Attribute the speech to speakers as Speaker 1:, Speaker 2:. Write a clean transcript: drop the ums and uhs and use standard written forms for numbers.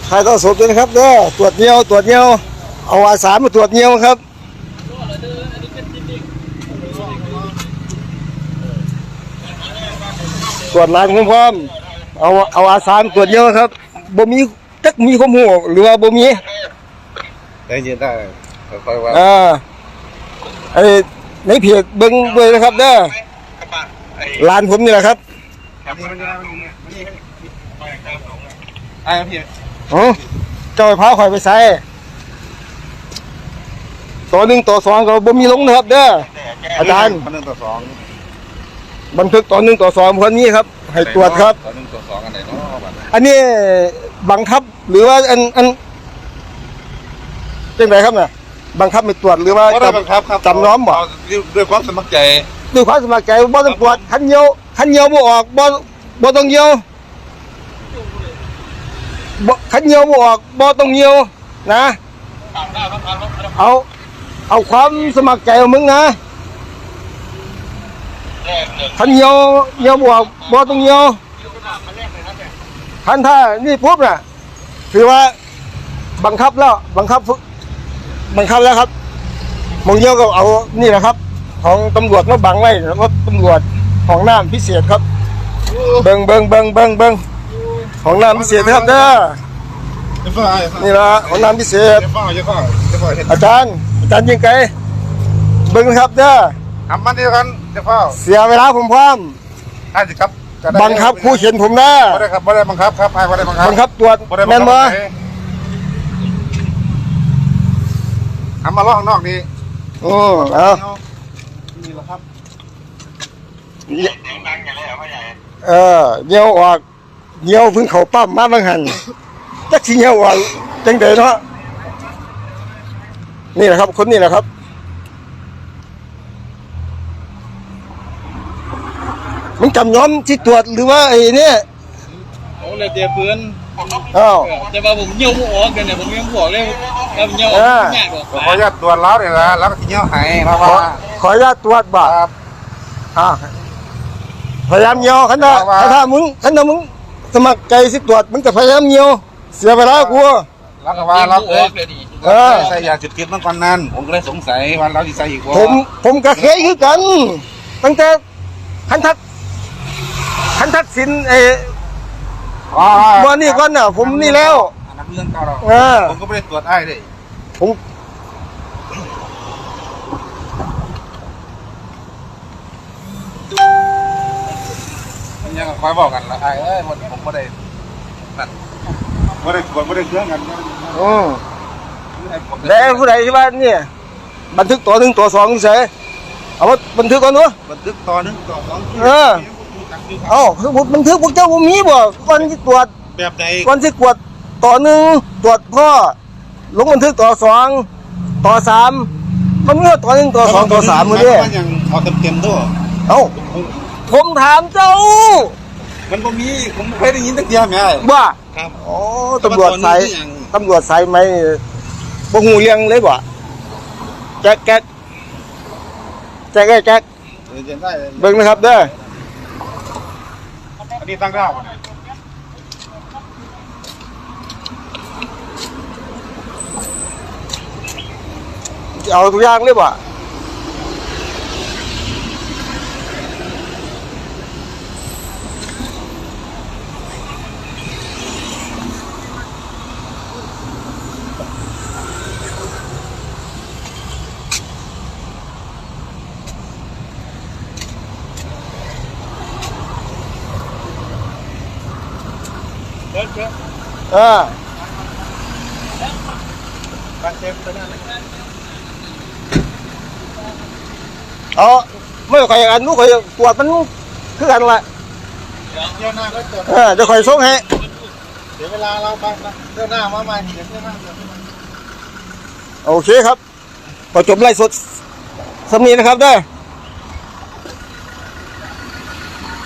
Speaker 1: ถ่ายทอดสดด้วยนะครับเด้อตรวจเงี้ยวเอาอาสามาตรวจเงี้ยวครับตรวจลายพร้อมเอาอาสามาตรวจเงี้ยวครับบ่มีจักมีข้อมูลหรือว่าบ่มี
Speaker 2: ได้ยินได้ค่อยว่า
Speaker 1: ไอ้ในเพจเบิ้งด้วยนะครับเด้อลานผมนี่แหละครับ
Speaker 2: ไอ้พี่
Speaker 1: เจ้าพาข่อยไปใส่ตัวหนึ่งตัวสองก็บ่มีลงนะครับเด้ออาจารย์
Speaker 2: 1 ต่อ 2
Speaker 1: บันทึกตัวหนึ่งตัวสองคนนี้ครับให้ตรวจครับ
Speaker 2: ตัว1 ต่อ 2อันไหนเนาะ
Speaker 1: อันนี้บังคับหรือว่าอันเป็นไงครับเนี่ยบังคับไม่ตรวจหรือว่าจำน้อมบ่
Speaker 2: ด้วยความสมัครใจ
Speaker 1: บ่ต้องตรวจคันเยียวบ่ออกบ่ต้องเยียวคันเยียวบ่ออกบ่ต้องเยียวนะเอาความสมัครใจของมึงนะคันเยียวบ่ออกบ่ต้องเยียวคันถ้านี่ปุ๊บน่ะถือว่าบังคับแล้วครับมองเยียวก็เอานี่แหละครับของตำรวจมาบังไว้รถตำรวจของน้ำพิเศษครับเบิ่งของน้ำพิเศษครับเด้อนี่ละของน้ำพิเศษอาจารย์ยิงไกเบิ่งครับเด้อ
Speaker 2: ทำมันเดียวกันจะเฝ้า
Speaker 1: เสียเวลาผมพร้อม
Speaker 2: ได้สิครับ
Speaker 1: บังคับผู้เขียนผมนะ
Speaker 2: ไม่ได้ครับไม่ได้บังคับครับไม่ได้บังคับ
Speaker 1: ตรวจแม่นบ่
Speaker 2: ทำมาล้อข้างนอกนี่
Speaker 1: เอา
Speaker 2: นี่แหละครับ
Speaker 1: เงี้ยวออกเงี้ยวพึ่งเขาปั้มมาบางหันจักสิเงี้ยวออกจังเดเนาะนี่แหละครับคนนี้แหละครับมันจำย้อมที่ตรวจหรือว่าไอ้นี่
Speaker 2: โอ้เลยเดี๋ยวเพื่อน
Speaker 3: แต่ว่าผมเยี่ยวออกกันเนี่ยผมยังบอกเลยแล้วเยี่ยวง่ายกว่า
Speaker 2: ขออนุญาตตรวจแล้วเนี่ยนะแล้วก็เยี่ยวหายเพราะว่า
Speaker 1: ขออนุญาตตรวจบ่พยายามเยี่ยวขันถ้ามึงสมัครใจสิตรวจมึงก็พยายามเยี่ยวเสียเวลากู
Speaker 2: แล้วก็ว่าเราใส่ยาจุดติดมันก่อนนั้นผมก็เลยสงสัยว่าเราจะใส่อีกว่า
Speaker 1: ผมก็เคยคือกันตั้งแต่คันทักษิณวันนี้ก่อนน่ะผมนี่แล้ว
Speaker 2: นักเรื่องเก่าเราผมก็ไม่ได้ตรวจไอ้เลย
Speaker 1: ผม
Speaker 2: ยังคอยบอกกันละไอ้ผมไม่ได้นั่นไม่ได้ตรวจไม่ได้เครื่องกัน
Speaker 1: แล้วผู้ใดที่บ้านเนี่ยบันทึกตัว1 ตัว 2เฉยเอาบันทึกก่อนเนาะ
Speaker 2: บันทึกตัว1 ต่อ 2
Speaker 1: คือบันทึกพวกเจ้าผมมีบ่ก่อนที่ตรวจ
Speaker 2: แบบไหน
Speaker 1: ก่อนที่ตรวจต่อ1ตรวจพ่อลงบันทึกต่อ2ต่อ3มันเมื่อต่อ1ต่อ2ต่อ3มื้อนี้
Speaker 2: มันยังเอาเต็มด้วย
Speaker 1: ผมถามเจ้า
Speaker 2: มันบ่มีผมไม่เคยได้ยินตั้งเดียวแม่
Speaker 1: ว่า
Speaker 2: ครับ
Speaker 1: ตำรวจสายไหมบ่ฮู้เรื่องเลยบ่แจ๊กเบิ่งนะครับเด้อ
Speaker 2: อันนี้ตั้งดาว
Speaker 1: เอาทุกอย่างเลยบ่
Speaker 2: การเช็คตัวนั้น
Speaker 1: ไม่ค่อยอันนู้นค่อยตรวจมันคือกันแหละ
Speaker 2: เดี๋ยวหน้าก็ตรวจ
Speaker 1: เดี๋ยวค่อยส่งให้
Speaker 2: เดี๋ยวเวลาเราไปเดี๋ยวหน้ามาใหม่เดี๋ยวหน้า
Speaker 1: โอเคครับพอจบไล่สดสำนีนะครับได้